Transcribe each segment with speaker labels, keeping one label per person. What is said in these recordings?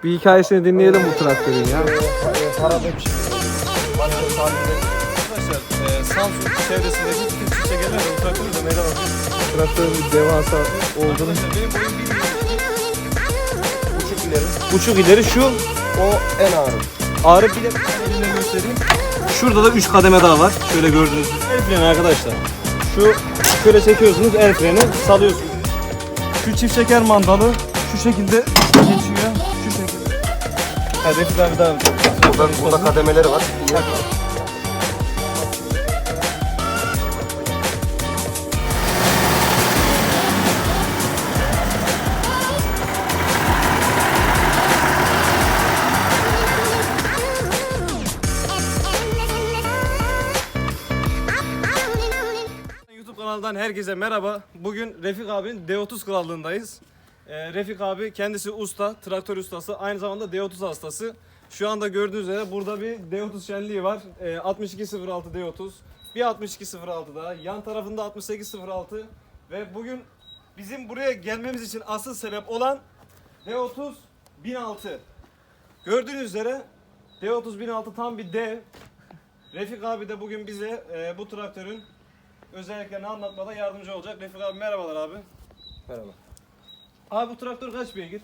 Speaker 1: Bir hikayesini dinleyelim bu traktörün ya.
Speaker 2: Harabe bir şey.
Speaker 3: Arkadaşlar Samsun çevresindeki bütün çiçeklerle bu traktörü de meydan okuyor.
Speaker 1: Traktörün bir devasa olduğunu.
Speaker 3: Arkadaşlar benim boyum 1.72.
Speaker 2: Buçuk ileri.
Speaker 3: Buçuk ileri şu
Speaker 2: O en ağır.
Speaker 3: ağrı bile elimle göstereyim. Şurada da 3 kademe daha var. Şöyle gördüğünüz gibi. El freni arkadaşlar. Şu şöyle çekiyorsunuz, el freni salıyorsunuz. Şu çift çeker mandalı şu şekilde geçiyor. Şu şekilde. Hadi Refik abi devam edelim.
Speaker 2: Burada kademeleri var.
Speaker 3: YouTube kanalından herkese merhaba. Bugün Refik abinin D30 krallığındayız. Refik abi kendisi usta, traktör ustası, aynı zamanda D30 hastası. Şu anda gördüğünüz üzere burada bir D30 şenliği var. 6206 D30, bir 6206 daha, yan tarafında 6806 ve bugün bizim buraya gelmemiz için asıl sebep olan D30 1006. Gördüğünüz üzere D30 1006 tam bir dev. Refik abi de bugün bize bu traktörün özelliklerini anlatmada yardımcı olacak. Refik abi merhabalar abi.
Speaker 2: Merhaba.
Speaker 3: Abi bu traktör kaç beygir?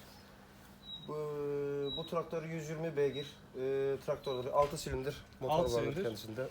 Speaker 2: Bu traktör 120 beygir. Traktörleri 6 silindir. Motor
Speaker 3: Altı
Speaker 2: var
Speaker 3: silindir.
Speaker 2: kendisinde.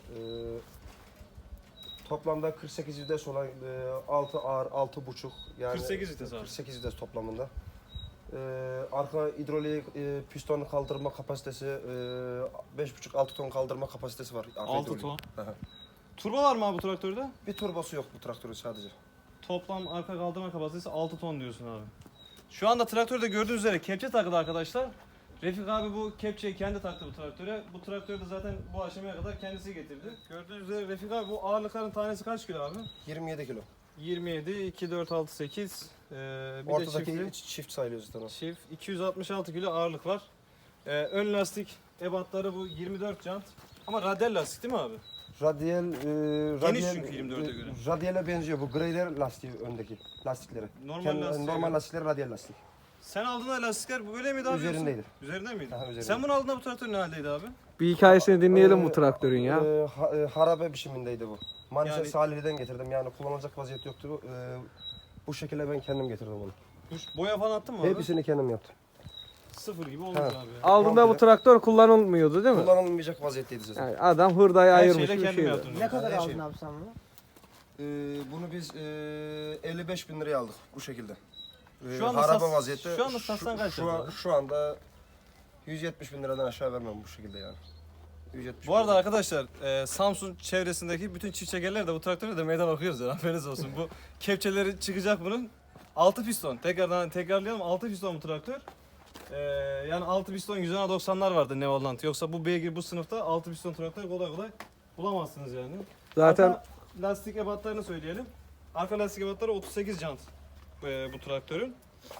Speaker 2: Toplamda 48 vites olan 6 ağır 6,5 yani
Speaker 3: 48 vites abi.
Speaker 2: 48 vites toplamında. Arka hidrolik piston kaldırma kapasitesi 5,5-6 ton kaldırma kapasitesi var. Arka
Speaker 3: 6
Speaker 2: hidrolik.
Speaker 3: ton.
Speaker 2: Aha.
Speaker 3: Turbo var mı abi bu traktörde?
Speaker 2: Bir turbosu yok bu traktörün sadece.
Speaker 3: Toplam arka kaldırma kapasitesi 6 ton diyorsun abi. Şu anda traktörde gördüğünüz üzere kepçe takılı arkadaşlar. Refik abi bu kepçeyi kendi taktı bu traktöre. Bu traktörü de zaten bu aşamaya kadar kendisi getirdi. Gördüğünüz üzere Refik abi bu ağırlıkların tanesi kaç kilo abi?
Speaker 2: 27 kilo.
Speaker 3: 27, 2, 4, 6, 8. Bir de
Speaker 2: Ortadaki
Speaker 3: çiftli.
Speaker 2: çift sayılıyor zaten o.
Speaker 3: Çift 266 kilo ağırlık var. Ön lastik ebatları bu 24 jant. Ama radyal lastik değil mi abi?
Speaker 2: Radyal,
Speaker 3: çünkü 24'e göre.
Speaker 2: Radyale benziyor bu Grader lastiği öndeki lastikleri.
Speaker 3: Normal lastiğe
Speaker 2: normal
Speaker 3: göre.
Speaker 2: lastikleri radyal lastik.
Speaker 3: Sen aldığında lastikler böyle miydi abi?
Speaker 2: Üzerindeydi.
Speaker 3: Yoksa? Üzerinde miydi?
Speaker 2: Aha, üzerinde.
Speaker 3: Sen bunu aldığında bu traktör ne haldeydi abi?
Speaker 1: Bir hikayesini dinleyelim bu traktörün ya.
Speaker 2: Harabe biçimindeydi bu. Manisa
Speaker 3: Yani-
Speaker 2: Salihli'den getirdim yani kullanılacak vaziyet yoktu. Bu şekilde ben kendim getirdim onu.
Speaker 3: Boya falan attın mı abi?
Speaker 2: Hepsini kendim yaptım.
Speaker 3: Sıfır gibi olmuş
Speaker 2: Ha.
Speaker 3: abi.
Speaker 1: Aldığında bu traktör kullanılmıyordu değil mi?
Speaker 2: Kullanılmayacak vaziyetteydi zaten.
Speaker 1: Yani adam hurdayı
Speaker 3: Her
Speaker 1: ayırmış
Speaker 3: şeyle
Speaker 1: bir
Speaker 3: kendim
Speaker 1: şeydi.
Speaker 3: yaptım.
Speaker 4: Ne kadar
Speaker 2: Her
Speaker 4: aldın
Speaker 2: şey.
Speaker 4: abi sen bunu?
Speaker 2: Bunu biz 55 bin liraya aldık bu şekilde.
Speaker 3: Şu anda
Speaker 2: harabe
Speaker 3: sat-
Speaker 2: vaziyette.
Speaker 3: şu anda satsan kaç yapar?
Speaker 2: Şu anda 170 bin liradan aşağı vermem bu şekilde yani. 170
Speaker 3: Bu arada arkadaşlar Samsun çevresindeki bütün çift çekerler de bu traktörü de meydan okuyoruz ya, haberiniz olsun. Bu kepçeleri çıkacak bunun. 6 piston. Tekrarlayalım, 6 piston bu traktör. Yani 6 piston 190'lar vardı Nevalant. Yoksa bu beygir bu sınıfta 6 piston traktör kolay kolay bulamazsınız yani.
Speaker 1: Zaten
Speaker 3: Arka lastik ebatlarını söyleyelim. Arka lastik ebatları 38 jant bu traktörün.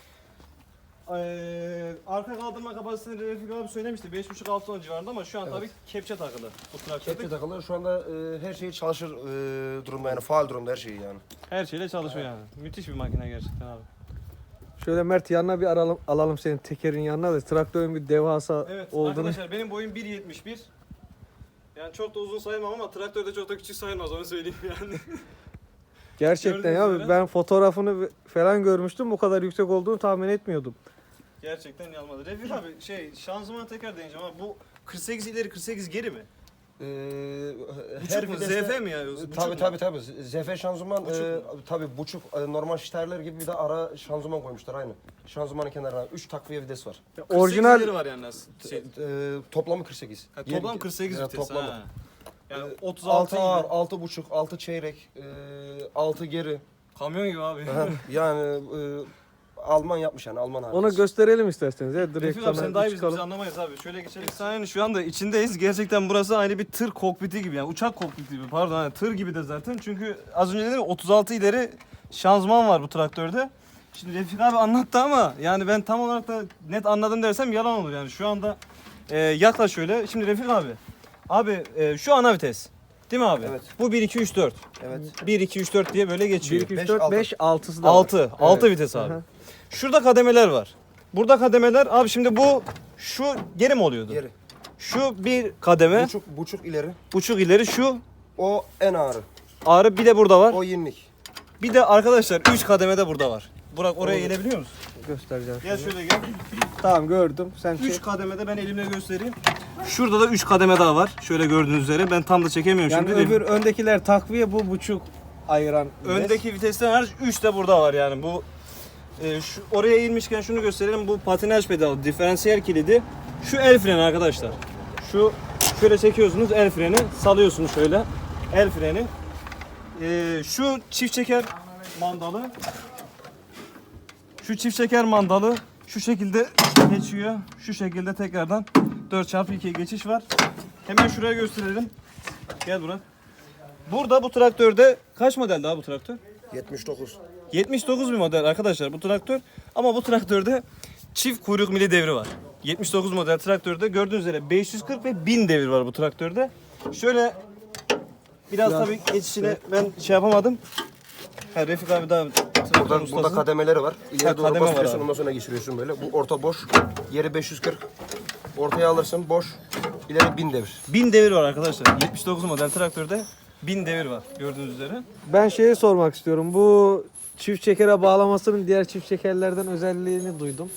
Speaker 3: Arka kaldırma kapasitesini Refik abi söylemişti 5,5-6 ton civarında ama şu an
Speaker 2: Evet.
Speaker 3: tabii kepçe takılı bu traktörde.
Speaker 2: Kepçe takılı şu anda her şey çalışır durumda yani faal durumda her şeyi yani.
Speaker 3: Her şeyle çalışıyor yani. Müthiş bir makine gerçekten abi.
Speaker 1: şöyle Mert yanına bir alalım senin tekerin yanına da traktörün bir devasa
Speaker 3: Evet
Speaker 1: olduğunu.
Speaker 3: arkadaşlar benim boyum 1.71. Yani çok da uzun sayılmam ama traktörde çok da küçük sayılmaz onu söyleyeyim yani.
Speaker 1: Gerçekten
Speaker 3: Gördüğünüz
Speaker 1: ya
Speaker 3: üzere.
Speaker 1: ben fotoğrafını falan görmüştüm. Bu kadar yüksek olduğunu tahmin etmiyordum.
Speaker 3: Gerçekten yanmadı. Refik abi şanzıman tekrar deneyeceğim ama bu 48 ileri 48 geri mi?
Speaker 2: Her
Speaker 3: mu?
Speaker 2: viteste-
Speaker 3: ZF mi ya? Buçuk
Speaker 2: Tabii
Speaker 3: mu?
Speaker 2: tabii. ZF şanzıman
Speaker 3: Buçuk mu?
Speaker 2: tabii buçuk normal şiterler gibi bir de ara şanzıman koymuşlar aynı. Şanzımanın kenarına 3 takviye vites var.
Speaker 3: 48
Speaker 1: Orijinal
Speaker 3: ileri var yani
Speaker 2: Toplamı 48.
Speaker 3: toplam 48
Speaker 2: Evet,
Speaker 3: vites.
Speaker 2: toplamı.
Speaker 3: Ha. Yani 36
Speaker 2: 6 ağır,
Speaker 3: ileri.
Speaker 2: 6,5, 6 çeyrek, 6 geri.
Speaker 3: Kamyon gibi abi.
Speaker 2: Yani Alman yapmış yani Alman harikası.
Speaker 1: onu gösterelim isterseniz. Ya, direkt
Speaker 3: Refik abi sen daha iyi biz
Speaker 1: çıkalım.
Speaker 3: anlamayız abi. Şöyle geçelim. Sahnenin şu anda içindeyiz. Gerçekten burası aynı bir tır kokpiti gibi yani uçak kokpiti gibi pardon hani tır gibi de zaten. Çünkü az önce dedim 36 ileri şanzıman var bu traktörde. Şimdi Refik abi anlattı ama yani ben tam olarak da net anladım dersem yalan olur yani. Şu anda yaklaş şöyle. Şimdi Refik abi. Abi şu ana vites. Değil mi abi?
Speaker 2: Evet.
Speaker 3: Bu 1 2 3 4.
Speaker 2: Evet.
Speaker 3: 1 2 3 4 diye böyle
Speaker 1: 1,
Speaker 3: geçiyor.
Speaker 1: 2, 3,
Speaker 2: Beş,
Speaker 1: 4,
Speaker 2: altı.
Speaker 1: 5, 6'sı da var.
Speaker 3: 6
Speaker 2: Evet.
Speaker 3: vites abi.
Speaker 1: Aha.
Speaker 3: Şurada kademeler var. Burada kademeler abi, şimdi bu şu geri mi oluyordu?
Speaker 2: Geri.
Speaker 3: Şu bir kademe,
Speaker 2: Buçuk ileri.
Speaker 3: buçuk ileri, şu
Speaker 2: O en ağırı.
Speaker 3: ağrı, bir de burada var.
Speaker 2: O yenilik.
Speaker 3: Bir de arkadaşlar 3 kademe de burada var. Burak oraya gelebiliyor musun?
Speaker 1: Göstereceğim.
Speaker 3: Gel şöyle gel.
Speaker 1: Tamam gördüm. Sen
Speaker 3: 3 kademede ben elimle göstereyim. Şurada da 3 kademe daha var. Şöyle gördüğünüz üzere. Ben tam da çekemiyorum
Speaker 1: yani
Speaker 3: şimdi.
Speaker 1: öbür öndekiler takviye, bu buçuk ayıran.
Speaker 3: Öndeki vitesten hariç 3 de burada var yani. Bu şu oraya inmişken şunu gösterelim. Bu patinaj pedalı, diferansiyel kilidi. Şu el freni arkadaşlar. Şu şöyle çekiyorsunuz, el freni salıyorsunuz şöyle. El freni. Şu çift çeker mandalı. Şu çift çeker mandalı şu şekilde geçiyor. Şu şekilde tekrardan 4x2'ye geçiş var. Hemen şuraya gösterelim. Gel Burak. Burada bu traktörde kaç model daha bu traktör?
Speaker 2: 79.
Speaker 3: 79 bir model arkadaşlar bu traktör. Ama bu traktörde çift kuyruk mili devri var. 79 model traktörde gördüğünüz üzere 540 ve 1000 devir var bu traktörde. Şöyle biraz tabii geçişine ben şey yapamadım. Ha, Refik abi daha traktör
Speaker 2: Burada
Speaker 3: ustası.
Speaker 2: kademeleri var. İleri doğru
Speaker 3: kademe var
Speaker 2: basıyorsun,
Speaker 3: abi.
Speaker 2: ondan sonra geçiriyorsun böyle. Bu orta boş. Yeri 540. Ortaya alırsın boş. İleri 1000 devir.
Speaker 3: 1000 devir var arkadaşlar. 79 model traktörde 1000 devir var gördüğünüz üzere.
Speaker 1: Ben şeyi sormak istiyorum. Bu çift çekere bağlamasının diğer çift çekerlerden özelliğini duydum.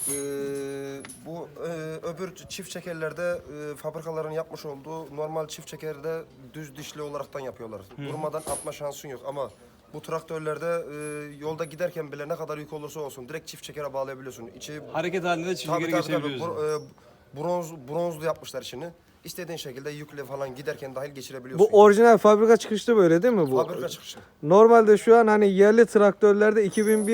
Speaker 2: Bu öbür çift çekerlerde fabrikaların yapmış olduğu normal çift çekerde düz dişli olaraktan yapıyorlar. Durmadan atma şansın yok ama bu traktörlerde yolda giderken bile ne kadar yük olursa olsun direkt çift çekere bağlayabiliyorsun. İçi
Speaker 3: Hareket halinde çift
Speaker 2: tabii,
Speaker 3: geri
Speaker 2: tabii, tabii.
Speaker 3: geçebiliyoruz.
Speaker 2: Bronzlu yapmışlar işini. İstediğin şekilde yükle falan giderken dahil geçirebiliyorsun.
Speaker 1: Bu orijinal fabrika çıkışlı böyle değil mi bu?
Speaker 2: fabrika çıkışı.
Speaker 1: Normalde şu an hani yerli traktörlerde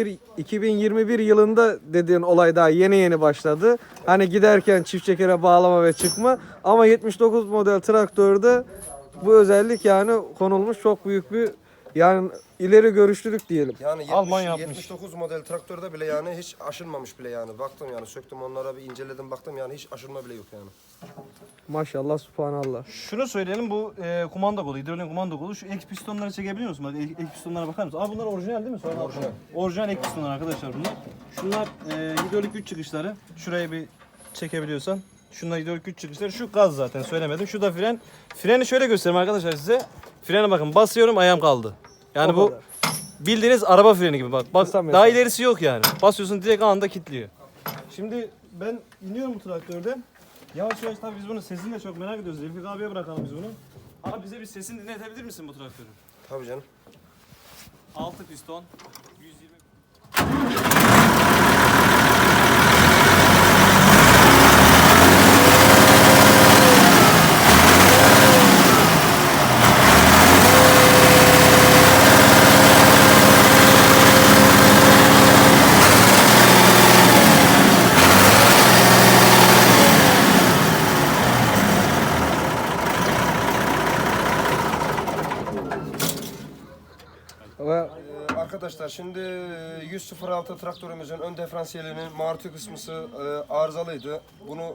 Speaker 1: 2021 yılında dediğin olay daha yeni başladı. Hani giderken çift çekere bağlama ve çıkma. Ama 79 model traktörde bu özellik yani konulmuş, çok büyük bir yani ileri görüşlülük diyelim.
Speaker 2: Yani
Speaker 3: Alman yapmış.
Speaker 2: 79 model traktörde bile yani hiç aşınmamış bile yani. Baktım yani söktüm onlara bir inceledim baktım yani hiç aşınma bile yok yani.
Speaker 1: Maşallah, subhanallah.
Speaker 3: Şunu söyleyelim, bu kumanda kolu, hidrolik kumanda kolu. Şu ek pistonları çekebiliyor musun? Bak ek pistonlara bakar mısın? Aa, bunlar orijinal değil mi? Sonra
Speaker 2: Orijinal.
Speaker 3: Orijinal ek pistonlar arkadaşlar bunlar. Şunlar hidrolik güç çıkışları. Şurayı bir çekebiliyorsan. Şunlar hidrolik güç çıkışları. Şu gaz zaten söylemedim. Şu da fren. Freni şöyle göstereyim arkadaşlar size. Frene bakın, basıyorum ayağım kaldı. Yani
Speaker 1: O
Speaker 3: bu
Speaker 1: kadar.
Speaker 3: bildiğiniz araba freni gibi bak. Bak
Speaker 1: Kısa mesafe.
Speaker 3: daha ilerisi yok yani. Basıyorsun direkt anında kilitliyor. Şimdi ben iniyorum bu traktörden. Yavaş yavaş tabii biz bunun sesini de çok merak ediyoruz. Refik abiye bırakalım biz bunu. Abi bize bir sesini dinletebilir misin bu traktörün?
Speaker 2: Tabii canım.
Speaker 3: 6 piston, 120...
Speaker 1: Ve
Speaker 2: Arkadaşlar şimdi 106 traktörümüzün ön diferansiyelinin maruti kısmısı arızalıydı. Bunu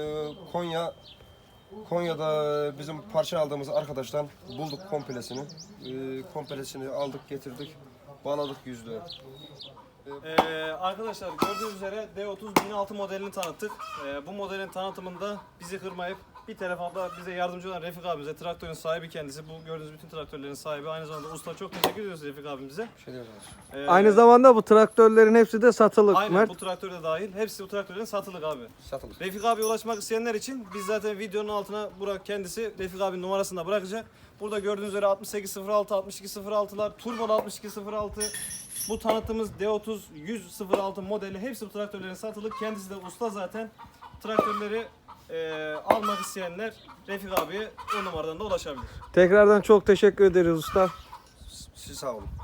Speaker 2: Konya'da bizim parça aldığımız arkadaştan bulduk komplesini. Komplesini aldık getirdik. Bağladık yüzlüğe.
Speaker 3: Arkadaşlar gördüğünüz üzere D30 1006 modelini tanıttık. Bu modelin tanıtımında bizi kırmayıp bir telefonda bize yardımcı olan Refik abimize, traktörün sahibi kendisi. Bu gördüğünüz bütün traktörlerin sahibi. Aynı zamanda usta, çok teşekkür ediyoruz Refik abimize.
Speaker 2: Bir şey diyoruz.
Speaker 1: aynı zamanda bu traktörlerin hepsi de satılık.
Speaker 3: Aynen,
Speaker 1: Mert.
Speaker 3: bu traktör de dahil. Hepsi bu traktörlerin satılık abi.
Speaker 2: Satılır.
Speaker 3: Refik abiye ulaşmak isteyenler için biz zaten videonun altına Burak kendisi Refik abinin numarasını da bırakacak. Burada gördüğünüz üzere 6806, 6206'lar, turbolu 6206, bu tanıttığımız D30 106 modeli hepsi bu traktörlerin satılık. Kendisi de usta zaten. Traktörleri almak isteyenler Refik abiye o numaradan da ulaşabilir.
Speaker 1: Tekrardan çok teşekkür ederiz usta.
Speaker 2: Siz sağ olun.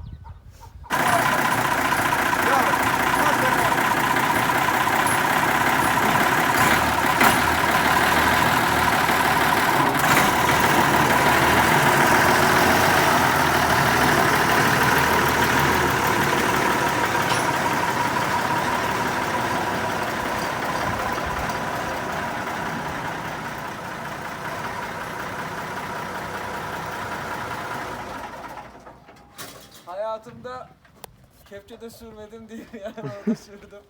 Speaker 4: Hayatımda kepçede sürmedim değil yani orada sürdüm.